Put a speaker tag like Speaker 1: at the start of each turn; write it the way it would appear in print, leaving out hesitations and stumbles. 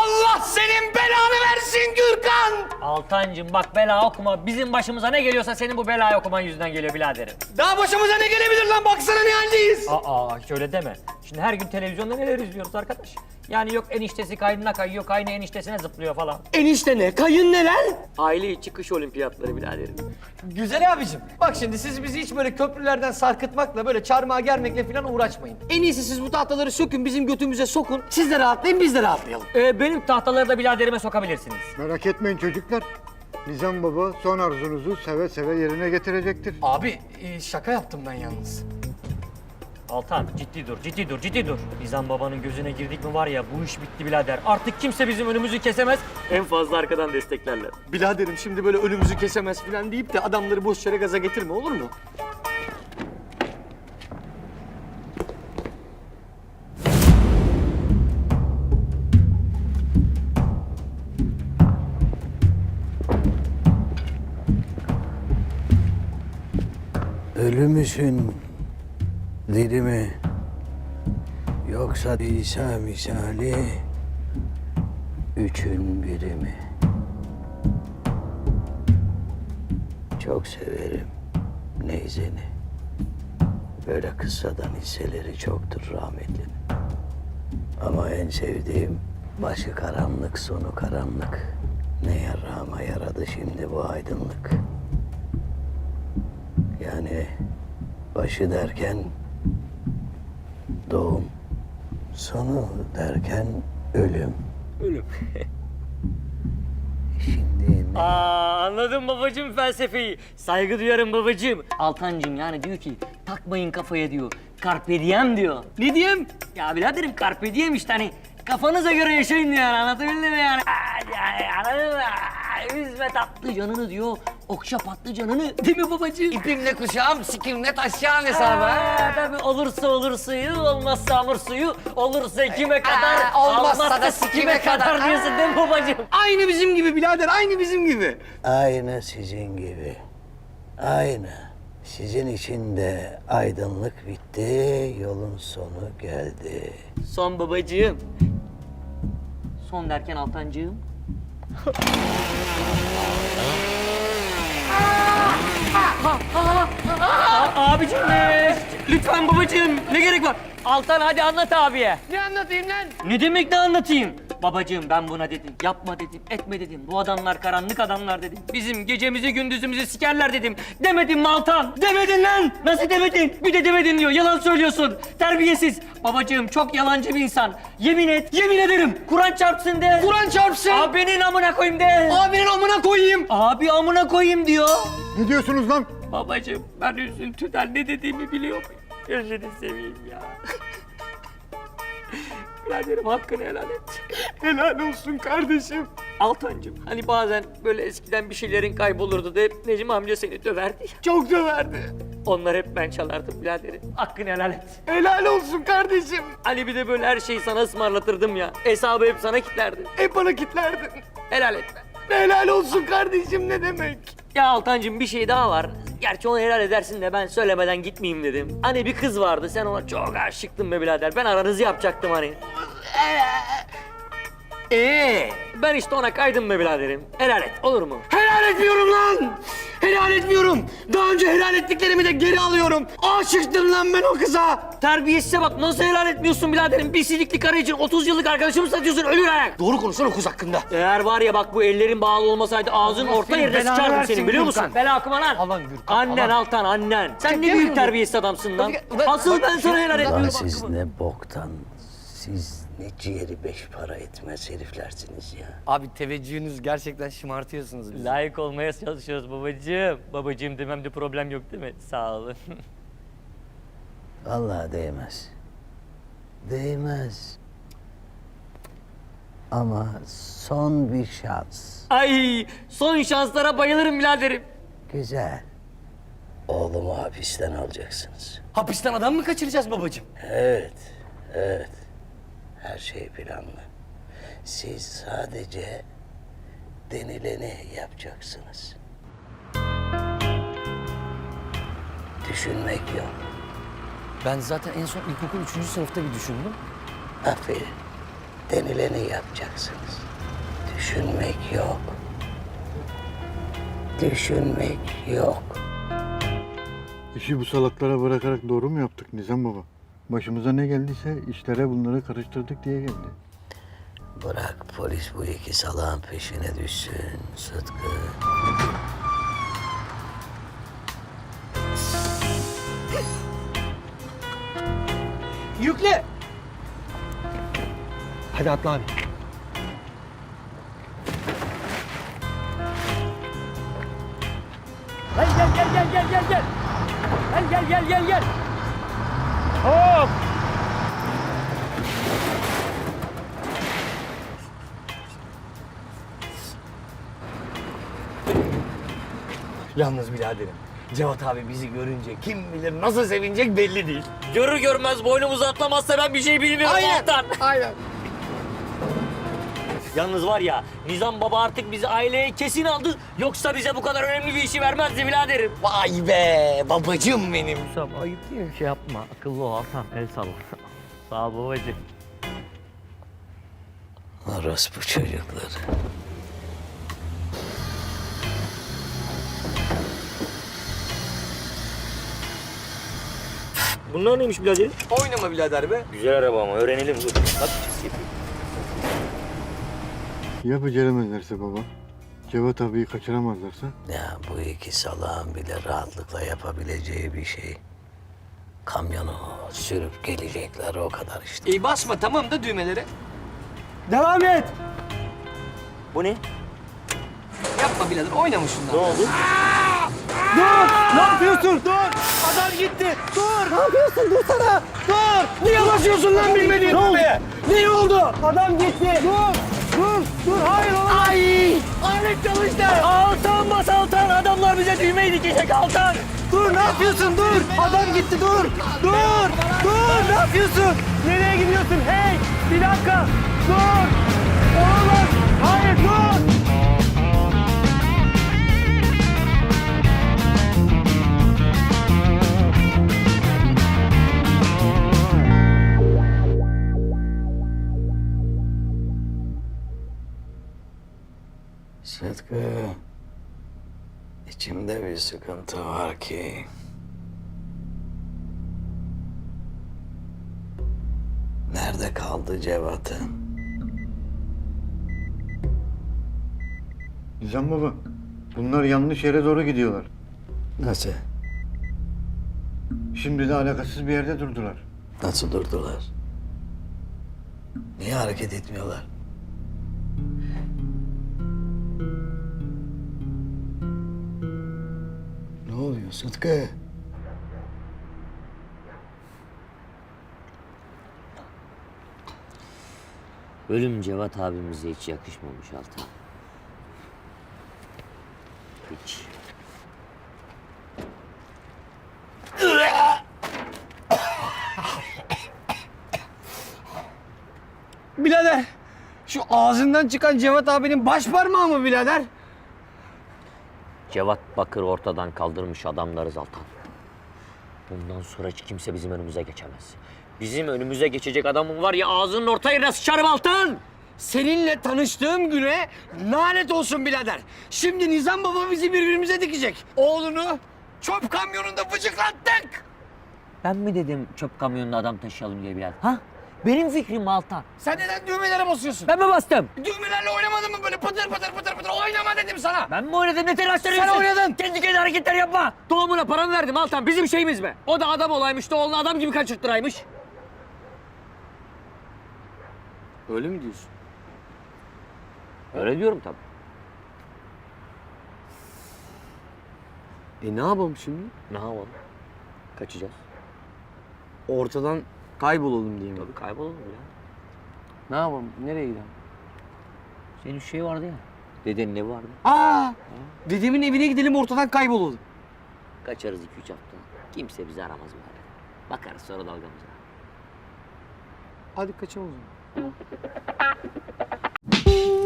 Speaker 1: Allah senin belanı versin Gürkan!
Speaker 2: Altancığım bak bela okuma. Bizim başımıza ne geliyorsa senin bu belayı okuman yüzünden geliyor biraderim.
Speaker 1: Daha başımıza ne gelebilir lan? Baksana ne haldeyiz.
Speaker 2: Aa hiç öyle deme. Şimdi her gün televizyonda neler izliyoruz arkadaş. Yani yok eniştesi kaynına kayıyor, kaynı eniştesine zıplıyor falan.
Speaker 1: Enişte ne? Kayın ne lan?
Speaker 2: Aile içi kış olimpiyatları biraderim.
Speaker 1: Güzel abicim. Bak şimdi siz bizi hiç böyle köprülerden sarkıtmakla, böyle çarmıha germekle falan uğraşmayın. En iyisi siz bu tahtaları sökün, bizim götümüze sokun. Siz de rahatlayın, biz de rahatlayalım.
Speaker 2: Benim tahtaları da biraderime sokabilirsiniz.
Speaker 3: Merak etmeyin çocuklar. Nizam Baba son arzunuzu seve seve yerine getirecektir.
Speaker 1: Abi şaka yaptım ben yalnız.
Speaker 2: Altan ciddi dur. Nizam babanın gözüne girdik mi var ya bu iş bitti birader. Artık kimse bizim önümüzü kesemez. En fazla arkadan desteklerler.
Speaker 1: Biraderim şimdi böyle önümüzü kesemez falan deyip de adamları boş yere gaza getirme, olur mu?
Speaker 4: Ölü müsün, diri mi? Yoksa İsa misali üçün biri mi? Çok severim neyzeni. Böyle kıssadan hisseleri çoktur rahmetlinin. Ama en sevdiğim başı karanlık, sonu karanlık. Ne yarama yaradı şimdi bu aydınlık. Yani başı derken doğum, sonu derken ölüm.
Speaker 2: Ölüm.
Speaker 4: Şimdi ne?
Speaker 2: Anladım babacığım felsefeyi. Saygı duyarım babacığım. Altancığım yani diyor ki takmayın kafaya diyor. Carpe diem diyor.
Speaker 1: Ne diyeyim?
Speaker 2: Ya biraderim carpe diem işte hani kafanıza göre yaşayın diyor yani anlatabildim mi yani? Yani anladın mı? Üzme tatlı canını diyor. Okşa patlı canını değil mi babacığım?
Speaker 1: İpimle kuşağım, sikimle taşacağım hesabı.
Speaker 2: Tabii olursa olur suyu, olmazsa hamur suyu, olursa kime kadar,
Speaker 1: olmazsa da sikime kadar.
Speaker 2: diyorsun değil mi babacığım?
Speaker 1: Aynı bizim gibi birader, aynı bizim gibi.
Speaker 4: Aynı sizin gibi. Aynı. Sizin için de aydınlık bitti, yolun sonu geldi.
Speaker 2: Son babacığım. Son derken Altancığım. Abicim lütfen babacığım ne gerek var? Altan hadi anlat abiye.
Speaker 1: Ne anlatayım lan?
Speaker 2: Ne demek ne anlatayım? Babacığım ben buna dedim, yapma dedim, etme dedim. Bu adamlar karanlık adamlar dedim. Bizim gecemizi gündüzümüzü sikerler dedim. Demedim mi Altan? Demedin lan! Nasıl demedin? Bir de demedin diyor, yalan söylüyorsun. Terbiyesiz. Babacığım çok yalancı bir insan. Yemin et, yemin ederim. Kur'an çarpsın de.
Speaker 1: Kur'an çarpsın.
Speaker 2: Abinin amına koyayım de.
Speaker 1: Abinin amına koyayım.
Speaker 2: Abi amına koyayım diyor.
Speaker 3: Ne diyorsunuz lan?
Speaker 2: Babacığım ben üzüntüden ne dediğimi biliyor muyum? Gözünü seveyim ya. Biraderim hakkını helal et.
Speaker 1: Helal olsun kardeşim.
Speaker 2: Altancığım hani bazen böyle eskiden bir şeylerin kaybolurdu da hep Necmi amca seni döverdi ya.
Speaker 1: Çok döverdi.
Speaker 2: Onlar hep ben çalardım biraderim. Hakkını helal et.
Speaker 1: Helal olsun kardeşim.
Speaker 2: Hani bir de böyle her şeyi sana ısmarlatırdım ya. Hesabı hep sana kilitlerdim.
Speaker 1: Hep bana kitlerdin.
Speaker 2: Helal etme.
Speaker 1: Helal olsun kardeşim ne demek?
Speaker 2: Ya Altancığım bir şey daha var. Gerçi onu helal edersin de ben söylemeden gitmeyeyim dedim. Hani bir kız vardı sen ona çok aşıktın be birader. Ben aranızı yapacaktım hani. Ben işte ona kaydım be biraderim. Helal et olur mu?
Speaker 1: Helal etmiyorum lan. Helal etmiyorum. Daha önce helal ettiklerimi de geri alıyorum. Aşıktım lan ben o kıza.
Speaker 2: Terbiyesize bak nasıl helal etmiyorsun biraderim? Bir sidikli karı için 30 yıllık arkadaşımı satıyorsun ölür ayak.
Speaker 1: Doğru konuşsana o kız hakkında.
Speaker 2: Eğer var ya bak bu ellerin bağlı olmasaydı ağzın
Speaker 1: Allah
Speaker 2: orta
Speaker 1: senin
Speaker 2: yerine
Speaker 1: belanı
Speaker 2: sıçardım
Speaker 1: versin
Speaker 2: senin biliyor musun?
Speaker 1: Gürkan.
Speaker 2: Bela okuma lan.
Speaker 1: Alan Gürkan,
Speaker 2: Annen
Speaker 1: alan.
Speaker 2: Altan annen. Sen ne
Speaker 1: Demiyor
Speaker 2: büyük
Speaker 1: muyum?
Speaker 2: terbiyesiz adamsın lan.
Speaker 1: Bak-
Speaker 2: Asıl ben sana helal
Speaker 4: Lan
Speaker 2: etmiyorum.
Speaker 4: siz ne boktan, siz ne ciğeri beş para etmez heriflersiniz ya.
Speaker 1: Abi teveccühünüz gerçekten şımartıyorsunuz bizi.
Speaker 2: Layık olmaya çalışıyoruz babacığım. Babacığım dememde problem yok değil mi? Sağ olun.
Speaker 4: Vallahi değmez. Değmez. Ama son bir şans.
Speaker 2: Ay son şanslara bayılırım biraderim.
Speaker 4: Güzel. Oğlumu hapisten alacaksınız.
Speaker 1: Hapisten adam mı kaçıracağız babacığım?
Speaker 4: Evet, evet. Her şey planlı. Siz sadece denileni yapacaksınız. Düşünmek yok.
Speaker 1: Ben zaten en son ilkokul 3. sınıfta bir düşündüm.
Speaker 4: Aferin. denileni yapacaksınız. Düşünmek yok. Düşünmek yok.
Speaker 3: İşi bu salaklara bırakarak doğru mu yaptık Nizam baba? Başımıza ne geldiyse işlere bunları karıştırdık diye geldi.
Speaker 4: Bırak polis bu iki salağın peşine düşsün Sıtkı.
Speaker 1: Yükle. Hadi atla abi.
Speaker 2: Gel. Gel. Hop.
Speaker 1: Yalnız biraderim, Cevat abi bizi görünce kim bilir nasıl sevinecek belli değil.
Speaker 2: Görür görmez boynumuzu atlamazsa ben bir şey bilmiyorum Altan.
Speaker 1: Aynen.
Speaker 2: Yalnız var ya, Nizam Baba artık bizi aileye kesin aldı. Yoksa bize bu kadar önemli bir işi vermezdi biraderim.
Speaker 1: Vay be, babacığım benim.
Speaker 2: Nizam ayıp değil mi? Şey yapma, akıllı ol Altan. El salla. Sağ ol babacığım.
Speaker 4: Orospu çocukları.
Speaker 2: Bunlar neymiş birader?
Speaker 1: Oynama birader be.
Speaker 2: Güzel araba ama öğrenelim dur. Hadi çizgi.
Speaker 3: Ya beceremezlerse baba? Cevat abiyi kaçıramazlarsa?
Speaker 4: Ya bu iki salağın bile rahatlıkla yapabileceği bir şey. Kamyonu sürüp gelecekler o kadar işte.
Speaker 1: İyi basma tamam da düğmelere. Devam et.
Speaker 2: Bu ne?
Speaker 1: Yapma birader, oynama şundan.
Speaker 2: Ne oldu?
Speaker 1: Ne yapıyorsun? Dur! Adam gitti! Dur! Ne yapıyorsun? Dursana! Dur! Niye basıyorsun lan bilmediğin düğmeye? Ne oldu? Adam gitti! Dur! Hayır oğlum! Ay! Alet çalıştı!
Speaker 2: Altan bas Altan! Adamlar bize düğmeyi dikecek Altan!
Speaker 1: Dur! Ne yapıyorsun? Dur! Adam gitti! Dur! Ne yapıyorsun?
Speaker 2: Nereye gidiyorsun? Hey! Bir dakika! Dur! Oğlum! Hayır dur!
Speaker 4: Sıtkı, içimde bir sıkıntı var ki. Nerede kaldı Cevat'ım?
Speaker 3: Nizam baba, bunlar yanlış yere doğru gidiyorlar.
Speaker 4: Nasıl?
Speaker 3: Şimdi de alakasız bir yerde durdular.
Speaker 4: Nasıl durdular? Niye hareket etmiyorlar? Ne oluyor Sıtkı?
Speaker 2: Ölüm Cevat abimize hiç yakışmamış Altan. Hiç.
Speaker 1: Birader! Şu ağzından çıkan Cevat abinin baş parmağı mı birader?
Speaker 2: Cevat Bakır ortadan kaldırmış adamlarız Altan. Bundan sonra hiç kimse bizim önümüze geçemez. Bizim önümüze geçecek adamın var ya ağzının orta yerine sıçarım Altan!
Speaker 1: Seninle tanıştığım güne lanet olsun birader. Şimdi Nizam baba bizi birbirimize dikecek. Oğlunu çöp kamyonunda bıçaklattık.
Speaker 2: Ben mi dedim çöp kamyonuna adam taşıyalım diye Bilal? Ha? Benim fikrim Altan.
Speaker 1: Sen neden düğmelere basıyorsun?
Speaker 2: Ben mi bastım?
Speaker 1: Düğmelerle oynamadın mı böyle pıtır pıtır oynama dedim sana.
Speaker 2: Ben mi oynadım? Ne telaşlanıyorsun?
Speaker 1: Sen oynadın.
Speaker 2: Kendi kendine hareketler yapma. Doğumuna paramı verdim Altan. Bizim şeyimiz mi? O da adam olaymış. Oğlunu adam gibi kaçırttıraymış.
Speaker 1: Öyle mi diyorsun?
Speaker 2: Öyle diyorum tabii.
Speaker 1: Ne yapalım şimdi?
Speaker 2: Ne yapalım? Kaçacağız.
Speaker 1: Ortadan kaybolalım diye mi?
Speaker 2: Tabii kaybolalım ya.
Speaker 1: Ne yapalım? Nereye gidelim?
Speaker 2: Senin şey vardı ya. Dedenin evi vardı.
Speaker 1: Aa! Dedemin evine gidelim ortadan kaybolalım.
Speaker 2: Kaçarız 2-3 hafta. Kimse bizi aramaz böyle. Bakarız sonra dalgamıza.
Speaker 1: Hadi kaçalım o zaman.